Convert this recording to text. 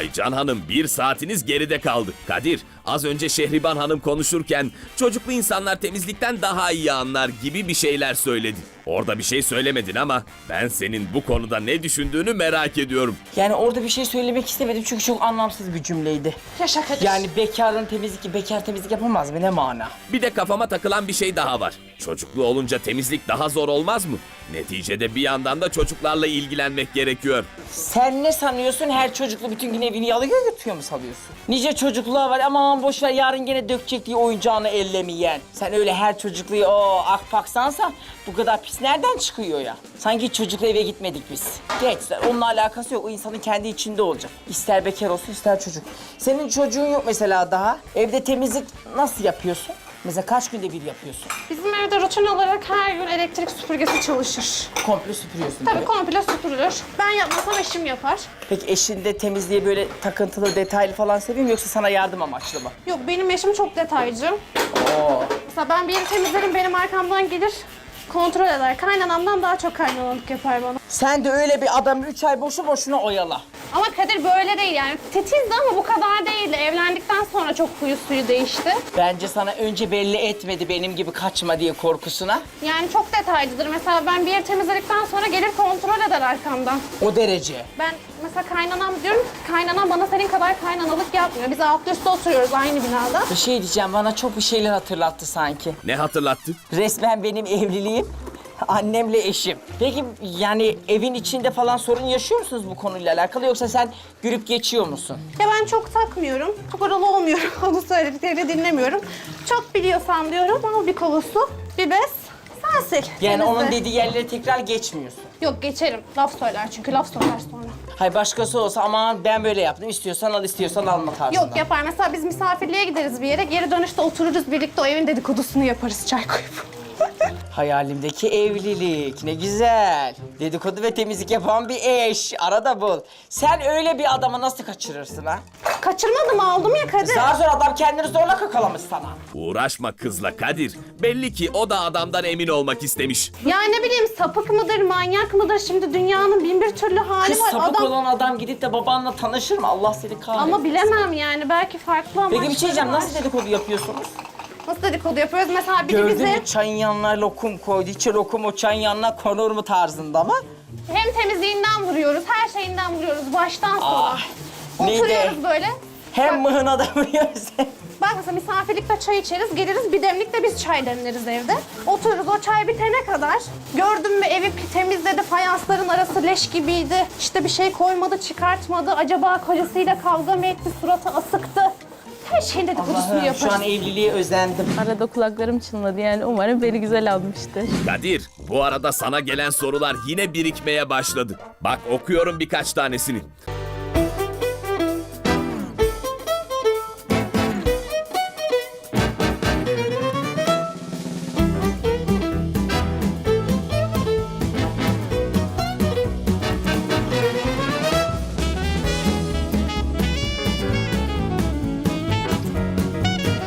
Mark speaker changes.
Speaker 1: Aycan Hanım 1 saatiniz geride kaldı. Kadir, az önce Şehriban Hanım konuşurken çocuklu insanlar temizlikten daha iyi anlar gibi bir şeyler söyledi. Orada bir şey söylemedin ama ben senin bu konuda ne düşündüğünü merak ediyorum.
Speaker 2: Yani orada bir şey söylemek istemedim çünkü çok anlamsız bir cümleydi.
Speaker 3: Yaşa Kadir.
Speaker 2: Yani bekar temizlik yapamaz mı? Ne mana?
Speaker 1: Bir de kafama takılan bir şey daha var. Çocuklu olunca temizlik daha zor olmaz mı? Neticede bir yandan da çocuklarla ilgilenmek gerekiyor.
Speaker 2: Sen ne sanıyorsun? Her çocuklu bütün gün evini yalıyor götürüyor mu sanıyorsun? Nice çocukluğa var, aman boş ver yarın gene dökecek diye oyuncağını ellemeyen. Sen öyle her çocukluyu akpaksansa bu kadar pis nereden çıkıyor ya? Sanki çocukla eve gitmedik biz. Gençler onunla alakası yok. O insanın kendi içinde olacak. İster bekar olsun ister çocuk. Senin çocuğun yok mesela daha. Evde temizlik nasıl yapıyorsun? Mesela kaç günde bir yapıyorsun?
Speaker 3: Bizim evde rutin olarak her gün elektrik süpürgesi çalışır.
Speaker 2: Komple süpürüyorsun.
Speaker 3: Tabii
Speaker 2: böyle.
Speaker 3: komple süpürülür. Ben yapmasam eşim yapar.
Speaker 2: Peki eşin de temizliğe böyle takıntılı, detaylı falan seviyor mu yoksa sana yardım amaçlı mı?
Speaker 3: Yok benim eşim çok detaycı. Mesela ben bir yeri temizlerim benim arkamdan gelir kontrol eder. Kaynanamdan daha çok kaynanalık yapar bana.
Speaker 2: Sen de öyle bir adamı 3 ay boşu boşuna oyala.
Speaker 3: Ama Kadir böyle değil yani. Titizdi ama bu kadar değildi. Evlendikten sonra çok huyu suyu değişti.
Speaker 2: Bence sana önce belli etmedi benim gibi kaçma diye korkusuna.
Speaker 3: Yani çok detaycıdır. Mesela ben bir yeri temizledikten sonra gelir kontrol eder arkamdan.
Speaker 2: O derece.
Speaker 3: Ben mesela kaynanam diyorum ki kaynanam bana senin kadar kaynanalık yapmıyor. Biz alt üstte oturuyoruz aynı binada.
Speaker 2: Bir şey diyeceğim bana çok bir şeyler hatırlattı sanki.
Speaker 1: Ne hatırlattı?
Speaker 2: Resmen benim evliliğim. Annemle eşim. Peki yani evin içinde falan sorun yaşıyor musunuz bu konuyla alakalı yoksa sen gülüp geçiyor musun?
Speaker 3: Ya ben çok takmıyorum. Çok oralı olmuyorum. Onu söylediklerini dinlemiyorum. Çok biliyorsam diyorum ama bir kova su, bir bez, sen sil.
Speaker 2: Yani
Speaker 3: Temizle.
Speaker 2: onun dediği yerlere tekrar geçmiyorsun.
Speaker 3: Yok geçerim. Laf söyler çünkü laf söyler sonra.
Speaker 2: Hay başkası olsa aman ben böyle yaptım istiyorsan al istiyorsan alma tarzında.
Speaker 3: Yok yapar. Mesela biz misafirliğe gideriz bir yere. Geri dönüşte otururuz birlikte o evin dedikodusunu yaparız çay koyup.
Speaker 2: Hayalimdeki evlilik ne güzel. Dedikodu ve temizlik yapan bir eş. Arada bul. Sen öyle bir adamı nasıl kaçırırsın ha?
Speaker 3: Kaçırmadım aldım ya Kadir.
Speaker 2: Zar zor adam kendini zorla kakalamış sana.
Speaker 1: Uğraşma kızla Kadir. Belli ki o da adamdan emin olmak istemiş.
Speaker 3: Ya ne bileyim sapık mıdır, manyak mıdır? Şimdi dünyanın bin bir türlü hali
Speaker 2: Kız
Speaker 3: var.
Speaker 2: sapık
Speaker 3: Adam...
Speaker 2: olan adam gidip de babanla tanışır mı? Allah seni kahretsin.
Speaker 3: Ama bilemem yani. Belki farklı amaçları
Speaker 2: Peki bir şey diyeceğim.
Speaker 3: var.
Speaker 2: Nasıl dedikodu yapıyorsunuz?
Speaker 3: Nasıl dedikodu yapıyoruz? Mesela biri
Speaker 2: Gördün
Speaker 3: bize
Speaker 2: mü çayın yanına lokum koydu. İçi lokum o çayın yanına konur mu tarzında mı?
Speaker 3: hem temizliğinden vuruyoruz, her şeyinden vuruyoruz baştan sona.
Speaker 2: neydi?
Speaker 3: Oturuyoruz böyle.
Speaker 2: Hem mıhına da vuruyoruz.
Speaker 3: Bak mesela misafirlikte çay içeriz, geliriz bir demlikte biz çay demleriz evde. Otururuz o çay bitene kadar. Gördün mü evi temizledi, fayansların arası leş gibiydi. İşte bir şey koymadı, çıkartmadı. Acaba kocasıyla kavga mı etti, suratı asıktı. Her şeyin dedikodusunu
Speaker 2: Allah'ım
Speaker 3: yaparız.
Speaker 2: şu an evliliğe özendim.
Speaker 4: Arada kulaklarım çınladı yani umarım beni güzel almıştır.
Speaker 1: Kadir, bu arada sana gelen sorular yine birikmeye başladı. Bak okuyorum birkaç tanesini.